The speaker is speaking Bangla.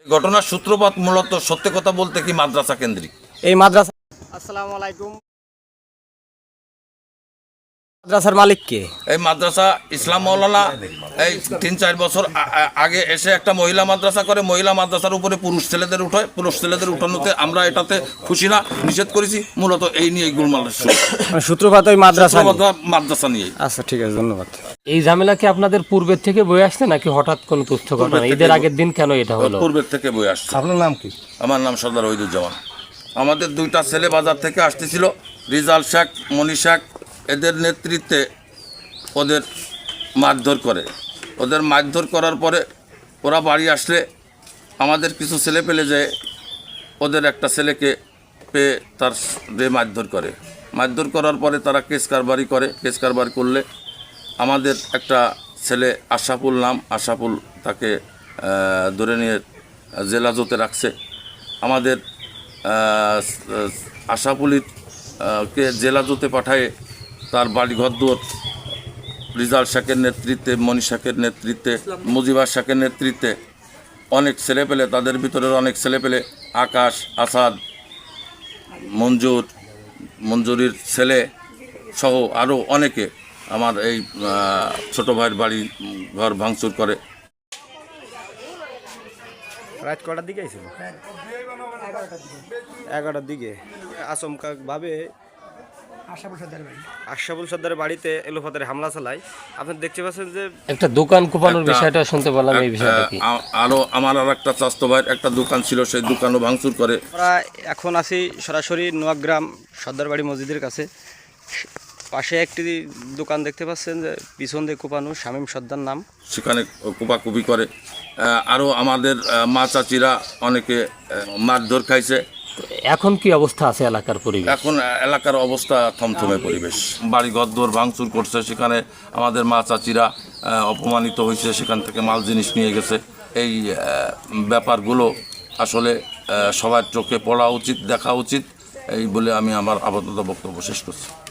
ঘটনার সূত্রপাত মূলত সত্য কথা বলতে কি মাদ্রাসা কেন্দ্রিক। এই মাদ্রাসা। আসসালামু আলাইকুম। মাদ্রাসার মালিক কে? এই মাদ্রাসা ইসলাম মৌলানা এই 3-4 বছর আগে এসে একটা মহিলা মাদ্রাসা করে, মহিলা মাদ্রাসার উপরে পুরুষ ছেলেদের উঠায়। পুরুষ ছেলেদের উঠানোতে আমরা এটাতে খুশি না, নিষেধ করেছি। মূলত এই নিয়ে গোলমাল সূত্রপাত ওই মাদ্রাসা নিয়ে। আচ্ছা, ঠিক আছে, ধন্যবাদ। এই ঝামেলা কি আপনাদের পূর্বের থেকে বয়ে আসছে নাকি হঠাৎ কোনো তুচ্ছ ঘটনা? ঈদের আগের দিন কেন এটা হলো? পূর্বের থেকে বয়ে আসছে। আপনার নাম কি? আমার নাম সর্দার ওহিদুজ্জামান। আমাদের 2টা ছেলে বাজার থেকে আসতেছিল, রিজাল শেখ, মনি শেখ। এদের নেতৃত্বে ওদের মারধর করে। ওদের মারধর করার পরে ওরা বাড়ি আসলে আমাদের কিছু ছেলে পেলে যায়, ওদের একটা ছেলেকে পেয়ে তার মারধর করে। মারধর করার পরে তারা কেস কারবারি করে। কেস কারবার করলে আমাদের একটা ছেলে আশাফুল নাম, আশাফুল, তাকে ধরে নিয়ে জেলা জোতে রাখছে। আমাদের আশাফুলিকে জেলা জোতে পাঠায় তার বাড়ি ঘরদুয়ার রিজাল শেখের নেতৃত্বে, মনি শেখের নেতৃত্বে, মুজিবার শেখের নেতৃত্বে অনেক ছেলে পেলে, তাদের ভিতরের অনেক ছেলে পেলে, আকাশ, আসাদ, মঞ্জুরির ছেলে সহ আরও অনেকে আমার এই ছোটো ভাইয়ের বাড়ি ঘর ভাঙচুর করে। রাত কটার দিকে ছিল? 11টার দিকে আচমকাভাবে আশরাফুল সর্দারের বাড়িতে এলোপাতাড়ি হামলা চালায়। আপনি দেখতে পাচ্ছেন যে একটা দোকান কোপানোর বিষয়টা শুনতে পেলাম। এই বিষয়টা কি? আরও আমার আর একটা চাচতো ভাইয়ের একটা দোকান ছিল, সেই দোকানও ভাঙচুর করে। আমরা এখন আছি সরাসরি নোয়াগ্রাম সর্দার বাড়ি মসজিদের কাছে। পাশে একটি দোকান দেখতে পাচ্ছেন যে পিছন দিয়ে কোপানো, শামীম সর্দার নাম, সেখানে কোপাকুপি করে। আরও আমাদের মা চাচিরা অনেকে মারধর খাইছে। এখন কি অবস্থা আছে এলাকার পরিবেশ? এখন এলাকার অবস্থা থমথমে পরিবেশ। বাড়ি ঘরদোর ভাঙচুর করছে, সেখানে আমাদের মা চাচিরা অপমানিত হয়েছে, সেখান থেকে মাল জিনিস নিয়ে গেছে। এই ব্যাপারগুলো আসলে সবার চোখে পড়া উচিত, দেখা উচিত, এই বলে আমি আমার আপাতত বক্তব্য শেষ করছি।